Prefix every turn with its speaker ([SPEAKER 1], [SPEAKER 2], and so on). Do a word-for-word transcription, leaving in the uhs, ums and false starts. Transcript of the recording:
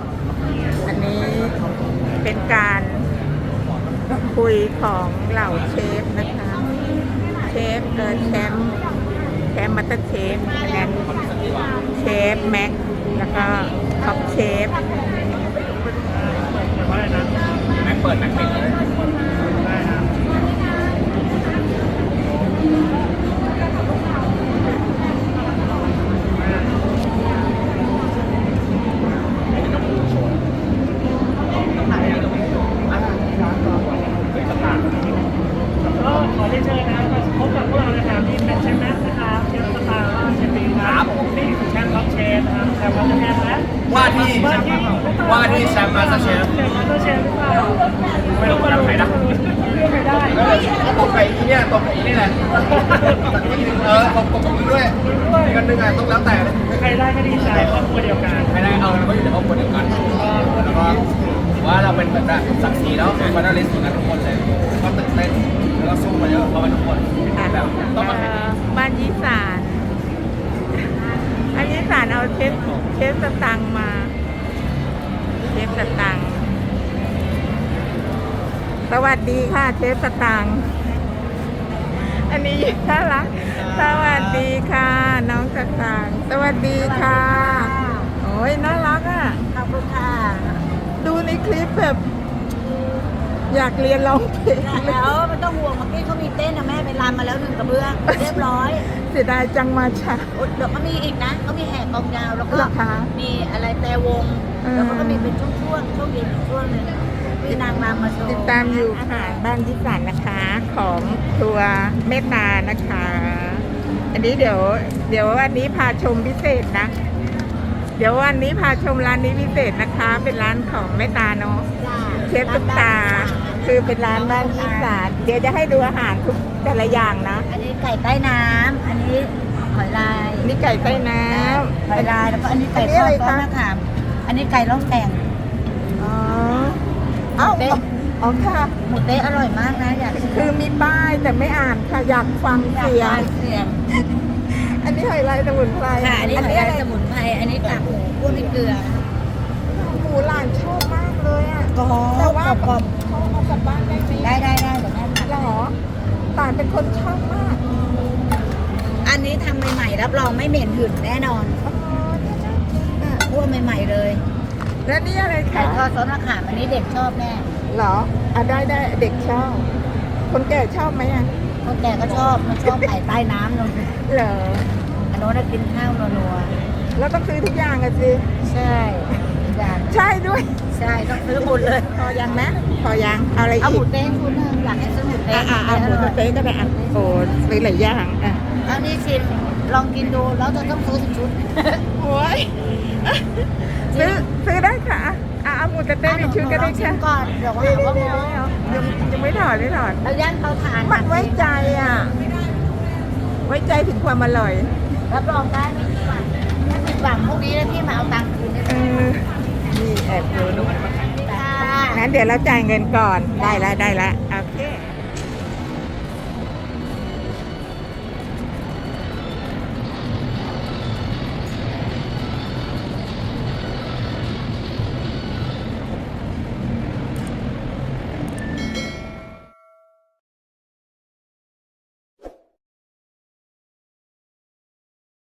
[SPEAKER 1] อันนี้เป็นการคุยของเหล่าเชฟนะคะเชฟเออแชมป์แชมป์มัตเตอร์เชฟแล้วเชฟแม็กแล้วก็ท็อปเชฟ
[SPEAKER 2] แม็กเปิดแม็กปิดเลย
[SPEAKER 3] ก็ขอเรียนเชิญนะครับมาพบกับพวกเรานะครับที่เป็นเชฟแม็กนะครับเชฟสตาร์ว่าเชฟบีครับนี่คือแชมป์ท็อปเชฟนะครับแชมป์มาสเตอร์เชฟและ
[SPEAKER 2] ว่าที่ว่าที่แชมป์มาสเตอร์เชฟ
[SPEAKER 3] แชมป์มาสเตอร์เชฟหรือเปล่า
[SPEAKER 2] ไม่รู้ว่าใครนะ
[SPEAKER 3] เลือกใครได้
[SPEAKER 2] แล้วตกไก่ที่เนี่ยตกไก่นี่แหละเออตกตกกับมึงด้วยอีกอันหนึ่งอ่ะต้องแล้วแต่เลย
[SPEAKER 3] ใครได้ก็ดีใจครอบครัวเดียวกัน
[SPEAKER 2] ไม่ได้เอาเราก็อยู่ในครอบครัวเดียวกันแล้วก็ว่าเราเป็นเหมือนแบบศักดิ์ศรีแล้วเป็นวันนั้นเลสกันทุกคนเลยก็ตื่นเต้นแล้วก็สู้มาเยอะเพราะว่าทุกคนแบบต้องมา
[SPEAKER 1] เอ่อบ้านยี่สานอันยี่สานเอาเชฟเชฟสตังค์มาเชฟสตังค์สวัสดีค่ะเชฟสตังค์อันนี้น่ารักสวัสดีค่ะน้องสตังค์สวัสดีค่ะโอ้ยน่ารักอ่ะ
[SPEAKER 4] ขอบคุณค่ะ
[SPEAKER 1] ดูในคลิปแบบ อยากเรียนร้องเพลง
[SPEAKER 4] แล้วไม่ต้องห่วงเมื่อกี้เขามีเต้นนะแม่ไปรำมาแล้วหนึ่งกระเบื้องเรียบร้อย
[SPEAKER 1] เสียดายจังมาช้า
[SPEAKER 4] เดี๋ยวเขามีอีกนะเขามีแห่กองยาวแล้วก็
[SPEAKER 1] เหรอคะ
[SPEAKER 4] มีอะไรแต่วง
[SPEAKER 1] เออ
[SPEAKER 4] แล้วเขาก็มีเป็นช่วงๆช่วงเย็นอีกช่วงหนึ่งมีนางรำมาโชว์
[SPEAKER 1] ติดตามอยู่ค่ะบ้านยิสันนะคะของตัวเมตตานะคะ อันนี้เดี๋ยว เดี๋ยววันนี้พาชมพิเศษนะ เดี๋ยววันนี้พาชมร้านนี้พิเศษนะคะ เป็นร้านของเมตตาเนาะ
[SPEAKER 4] จ้า
[SPEAKER 1] เชฟตุ๊กตา คือเป็นร้านบ้านยิสันเดี๋ยวจะให้ดูอาหารทุกแต่ละอย่างนะ
[SPEAKER 4] อันนี้ไก่ใต้น้ำอันนี้หอยลาย
[SPEAKER 1] นี่ไก่ใต้น้ำ
[SPEAKER 4] หอยลายแล้วก็อันนี้ไก่
[SPEAKER 1] อันนี้
[SPEAKER 4] ทอ
[SPEAKER 1] อะไร
[SPEAKER 4] ดก้อน
[SPEAKER 1] คะ
[SPEAKER 4] มะขามอันนี้ไก่ล่องแก่ง
[SPEAKER 1] อ๋อเอ้า
[SPEAKER 4] เต๊ะ
[SPEAKER 1] อ๋อค่ะ
[SPEAKER 4] หมูเต๊ะอร่อยมากนะอยากชิม
[SPEAKER 1] คือมีป้ายแต่ไม่อ่านค่ะ อยากฟัง
[SPEAKER 4] อยาก
[SPEAKER 1] เสีย
[SPEAKER 4] ได้
[SPEAKER 1] ง
[SPEAKER 4] เสียง
[SPEAKER 1] อันนี้หอยลายสมุนไพร
[SPEAKER 4] ค่ะอันนี้หอยลายสมุนไพรอันนี้กากหมูพวกนี้เกลือ
[SPEAKER 1] หมูหลานชอบมากเลยอ่ะ
[SPEAKER 4] กรอบ
[SPEAKER 1] แต่ว่า
[SPEAKER 4] กรอบ
[SPEAKER 1] เขาเอากลับบ้านได้ไหม
[SPEAKER 4] ได้ได้ได้เดี๋ยวแม่ท
[SPEAKER 1] หรอหลานเป็นคนชอบมาก
[SPEAKER 4] ำอันนี้ทำใหม่ๆรับรองไม่เหม็นหืนแน่นอน
[SPEAKER 1] อ๋อเนี่ยน่ากินอ่ะ
[SPEAKER 4] คั่วใหม่ๆเลย
[SPEAKER 1] แล้วนี่อะไร
[SPEAKER 4] ไก่
[SPEAKER 1] คะ
[SPEAKER 4] ทอดซอสมะขามอันนี้เด็กชอบแม่
[SPEAKER 1] หรออ่ะได้ได้เด็กชอบ คนแก่ชอบไหมอ่ะ
[SPEAKER 4] คนแก่ก็ชอบมันชอบไก่ใต้น้ำนน
[SPEAKER 1] เหรอ
[SPEAKER 4] อันโน้นนะกินข้าวนัว
[SPEAKER 1] แล้วต้องซื้อทุกอย่างอะสิ
[SPEAKER 4] ๆใช่อย่าง
[SPEAKER 1] ใช่ด้วย
[SPEAKER 4] ใช่ต้องซื้อหมดเลย
[SPEAKER 1] พอยังนะพอยังเอาอะไร
[SPEAKER 4] เอาห
[SPEAKER 1] อี
[SPEAKER 4] มู
[SPEAKER 1] ก
[SPEAKER 4] เต้ชุดหนึงอยากให้ซื้อหมูเต้
[SPEAKER 1] อ่ะอ่ะอ่ะหมูสะเต๊ะก็ได้อ่ะโอ้ซื้อหลายอย่างอ่ะ
[SPEAKER 4] เอานี่ชิมลองกินดูแล้วจะต้องซื้อสิบชุด
[SPEAKER 1] โอ้ยซื้อซื้อได้ค่ะอ่ะเอาหมูสะเต๊ะในชุดก็ได้
[SPEAKER 4] ชิ
[SPEAKER 1] ค่ะ
[SPEAKER 4] มก่อนเดี๋ยวว่า
[SPEAKER 1] เดี๋ยว
[SPEAKER 4] หาว่า
[SPEAKER 1] เดี๋ยว
[SPEAKER 4] โม้
[SPEAKER 1] เดี๋ยวยังไม่ถอดไม่ถอด
[SPEAKER 4] เราย่างเตาถ่าน
[SPEAKER 1] มันไว้ใจอ่ะ ไว้ใจถึงความอร่อย
[SPEAKER 4] รับรองได้ไม่ผิดหวังถ้าผิดหวังพวกนี้แล้วพี่มาเอาตังค์คืนได้
[SPEAKER 1] เอ
[SPEAKER 4] เลย
[SPEAKER 1] อ นี่แอบดูดู
[SPEAKER 4] ค่ะ
[SPEAKER 1] งั้นเดี๋ยวเราจ่ายเงินก่อน ได้แล้วได้แล้ว